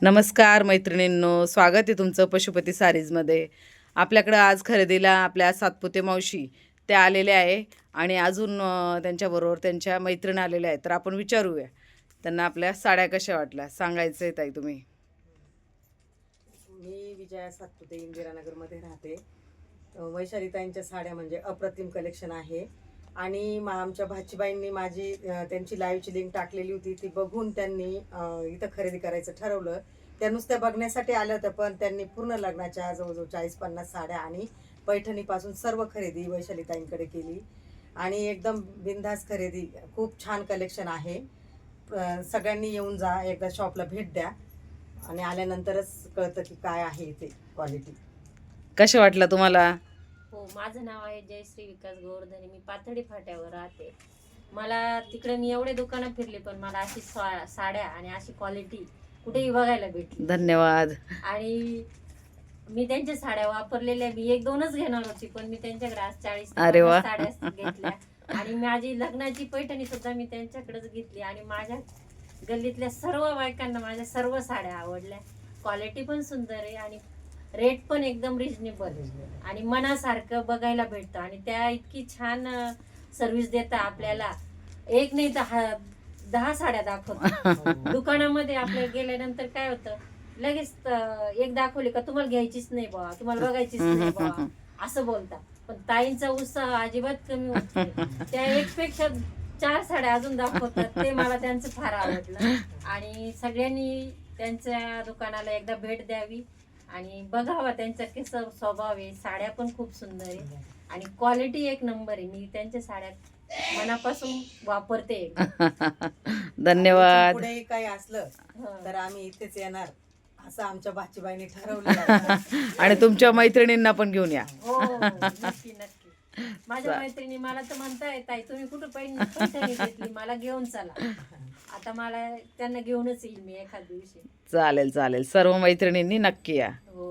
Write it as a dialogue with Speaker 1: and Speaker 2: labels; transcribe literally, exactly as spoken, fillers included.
Speaker 1: नमस्कार मैत्रिणींनो, स्वागत आहे तुमचं पशुपती सारीजमध्ये. आपल्याकडं आज खरेदीला आपल्या सातपुते मावशी त्या आलेल्या आहे आणि अजून अ, त्यांच्याबरोबर त्यांच्या मैत्रीण आलेल्या आहेत. तर आपण विचारूया त्यांना आपल्या साड्या कशा वाटल्या. सांगायचं आहे ताई तुम्ही.
Speaker 2: मी विजया सातपुते इंदिरानगरमध्ये राहते. अ, वैशालीताईंच्या साड्या म्हणजे अप्रतिम कलेक्शन आहे आणि मा आमच्या भाचीबाईंनी माझी अ, त्यांची लाईव्हची लिंक टाकलेली होती, ती बघून त्यांनी अ, इथं खरेदी करायचं ठरवलं. त्या नुसत्या बघण्यासाठी आल्या होत्या, पण त्यांनी पूर्ण लग्नाच्या जवळजवळ चाळीस पन्नास साड्या आणि पैठणीपासून सर्व खरेदी वैशालीताईंकडे केली आणि एकदम बिनधास्त खरेदी. खूप छान कलेक्शन आहे. अ, सगळ्यांनी येऊन जा, एकदा शॉपला भेट द्या आणि आल्यानंतरच कळतं की काय आहे ते क्वालिटी.
Speaker 1: कशा वाटलं तुम्हाला?
Speaker 3: हो, माझं नाव आहे जयश्री विकास गोवर्धने. मी पाथर्डी फाट्यावर राहते. मला तिकडे मी एवढे दुकानं फिरले, पण मला अशी सा- साड्या आणि अशी क्वालिटी कुठेही बघायला भेटली.
Speaker 1: धन्यवाद.
Speaker 3: आणि मी त्यांच्या साड्या वापरलेल्या, मी एक दोनच घेणार होती, पण मी त्यांच्याकडे आज चाळीस
Speaker 1: अरे वा.
Speaker 3: साड्या घेतल्या. आणि माझी लग्नाची पैठणी सुद्धा मी त्यांच्याकडेच घेतली आणि माझ्या गल्लीतल्या सर्व बायकांना माझ्या सर्व साड्या आवडल्या. क्वालिटी पण सुंदर आहे आणि रेट पण एकदम रिजनेबल आणि मनासारखं बघायला भेटतं. आणि त्या इतकी छान सर्व्हिस देतात आपल्याला. एक नाही तर हा- दहा साड्या दाखवतात. दुकानामध्ये आपल्याला गेल्यानंतर काय होतं, लगेच अं, एक दाखवली का तुम्हाला घ्यायचीच नाही बा, तुम्हाला बघायचीच नाही बा, असं बोलतात. पण ताईंचा उत्साह अजिबात कमी होत नाही. त्या एक पेक्षा चार साड्या अजून दाखवतात. ते मला त्यांचं फार आवडलं आणि सगळ्यांनी त्यांच्या दुकानाला एकदा भेट द्यावी आणि बघावा त्यांचा कसं स्वभाव आहे. साड्या पण खूप सुंदर आहे आणि क्वालिटी एक नंबर आहे. मी त्यांच्या साड्या मनापासून वापरते.
Speaker 1: धन्यवाद.
Speaker 2: पुढेही काही असलं
Speaker 3: हं.
Speaker 2: तर आम्ही इथेच येणार असं आमच्या भाचीबाईंनी ठरवलं आहे.
Speaker 1: आणि तुमच्या मैत्रिणींना पण घेऊन या.
Speaker 3: हो हो, नक्की नक्की. माझ्या मैत्रिणी मला तर म्हणता येत आहे, तुम्ही कुठं पैठणी पैठणी घेतली, मला घेऊन चला. आता मला त्यांना घेऊनच येईल मी एखाद दिवशी.
Speaker 1: चालेल चालेल. सर्व मैत्रिणींनी नक्की या.
Speaker 3: हो.